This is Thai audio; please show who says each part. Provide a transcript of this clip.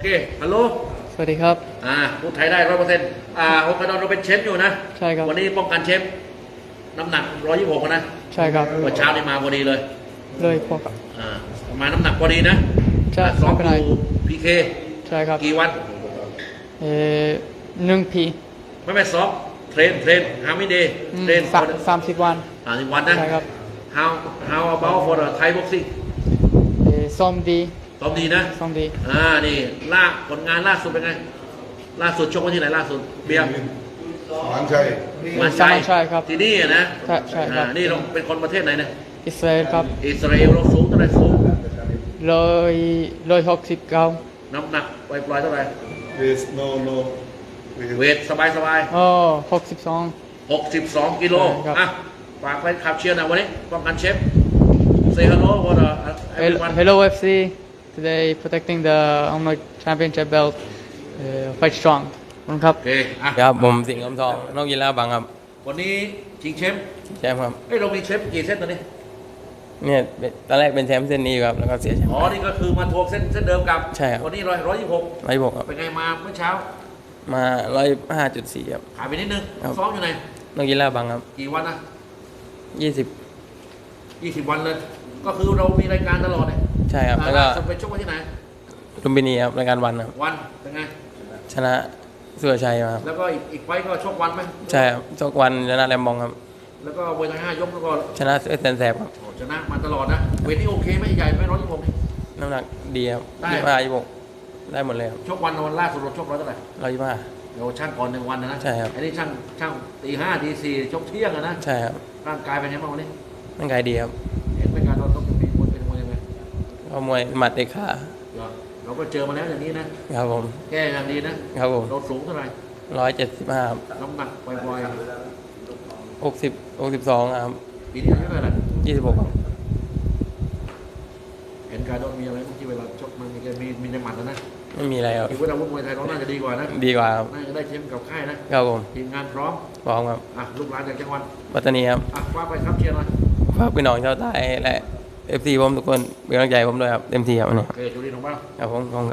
Speaker 1: เคฮัลโหล
Speaker 2: สวัสดีครับ
Speaker 1: พูดไทยได้100%โฮคาโดเราเป็นเชฟอยู่นะ
Speaker 2: ใช่ครับ
Speaker 1: วันนี้ป้องกันเชฟน้ำหนัก126นะ
Speaker 2: ใช่ครับ
Speaker 1: วันเช้านี่มาพอดีเลย
Speaker 2: พอกับ
Speaker 1: มาน้ำหนักพอดีนะ
Speaker 2: ใช่
Speaker 1: ซ้อมอยู่พีเค
Speaker 2: ใช่ครับ
Speaker 1: กี่วัน
Speaker 2: 1 ปี
Speaker 1: ไม่ซ้อมเทรนฮามิเดย์เทรน
Speaker 2: 30 วัน
Speaker 1: 30 วันนะ
Speaker 2: ใช่ครับ
Speaker 1: how about for the Thai boxing
Speaker 2: ซ้อมดี
Speaker 1: นะ
Speaker 2: ซ้อมดี
Speaker 1: นี่ผลงานล่าสุดเป็นไงล่าสุดชกวันที่ไหนล่าสุดเบียร์
Speaker 3: มันชัย
Speaker 2: ครับ
Speaker 1: ที่นี่นะ
Speaker 2: ใช่ครับ
Speaker 1: นี่เราเป็นคนประเทศไหนเนี่ย
Speaker 2: อิสราเอลครับ
Speaker 1: อิสราเอลเราสูงเท่าไหร่สูง
Speaker 2: 169
Speaker 1: น้ำหนักปล่อยเท่าไหร่เวทสบาย62กิโลฝากไปขับเชียร์นะวันนี้ป้องกันเชฟ Say hello what everyone
Speaker 2: Hello FC today protecting the Omnog Championship belt fight strong ครับ
Speaker 1: โอเค
Speaker 4: ครับผมสิงห์คำทองนอกยีราบังครับ
Speaker 1: วันนี้ชิงแชมป์
Speaker 4: ครับ
Speaker 1: เรามีเชฟกี่เส้นตอนนี้
Speaker 4: เนี่ยตอนแรกเป็นแชมป์เส้นนี้ครับแล้วก็เสียแชมป์
Speaker 1: นี่ก็คือมาทวงเส้นเดิมกับ
Speaker 4: ใช่ครับ
Speaker 1: วันนี้126
Speaker 4: ครับ
Speaker 1: เป็นไงมาเมื่อเช้า
Speaker 4: มา105.4ครับ
Speaker 1: ขายไปนิดนึงซ้อมอยู่ไหน
Speaker 4: นอกยีราบังครับ
Speaker 1: กี่วันนะ
Speaker 4: 20
Speaker 1: วันเลยก็คือเรามีรายการตลอดเลย
Speaker 4: ใช่ครับแล้วก็
Speaker 1: ไปชกวันที่ไหน
Speaker 4: ลุมพินีครับรายการวันครับ
Speaker 1: วันเป็นไง
Speaker 4: ชนะสุรชัยมาครับ
Speaker 1: แล้วก็อีกไฟก็ชกวันไหม
Speaker 4: ใช่ครับชกวันชนะแรมบองครับ
Speaker 1: แล้วก็เวท5 ยกแล้วก็
Speaker 4: ชนะเซนแสบครับ
Speaker 1: ชนะมาตลอดนะเวทนี่โอเคไหมใหญ่ไหม126นี่
Speaker 4: น้ำหนักดีครับ25 26ได้หมดเลยครับ
Speaker 1: ชกวันล่าสุดเราชก100เท่าไหร่
Speaker 4: 125
Speaker 1: เราช่างก่อน1 วันนะ
Speaker 4: ใช่ครับ
Speaker 1: อันนี้ช่างตี 5 ตี 4ชกเที่ยงนะ
Speaker 4: ใช่ครับ
Speaker 1: ร่างกายเป็นไงบ้างวันนี้
Speaker 4: ร่างกายดีครับ
Speaker 1: เห็นเป็นการเราต้องมีคนเป็นมวยยังไง
Speaker 4: ก็มวยหมัดเตะขา
Speaker 1: เราก็เจอมาแล้วอย่างนี้นะครับ
Speaker 4: ผม
Speaker 1: แก้อย่างดีนะครับผมเราสูงเท่าไหร่
Speaker 4: 175
Speaker 1: น้ำหนักปล่อย
Speaker 4: 62ครับ
Speaker 1: ปีนี้อายุเท่าไหร่
Speaker 4: 26ครับ
Speaker 1: เห็นการโดนมีอะไรเมื่อกี้เวลาชกมันมีในหมัดนะ
Speaker 4: ไม่มีอะไรครับ
Speaker 1: คิดว่าอาวุธมวยไทยเราน่าจะดีกว่านะ
Speaker 4: ดีกว่าครับ
Speaker 1: น่าจะได้เชมป์กับค่ายนะครับ
Speaker 4: ผม
Speaker 1: ทีมงานพร้อม
Speaker 4: ครับ
Speaker 1: ลูกหลานจากจังหวัด
Speaker 4: ปัตตานีครับ
Speaker 1: ว่าไปครับเชียร์หน่อย
Speaker 4: ฝากพี่น้องชาวใต้และ FC ผมทุกคนเป็นกำลังใจผมด้วยครับเต็มที่ครับวันนี้
Speaker 1: โอเคจุดีน้องบ้าง
Speaker 4: ครับผม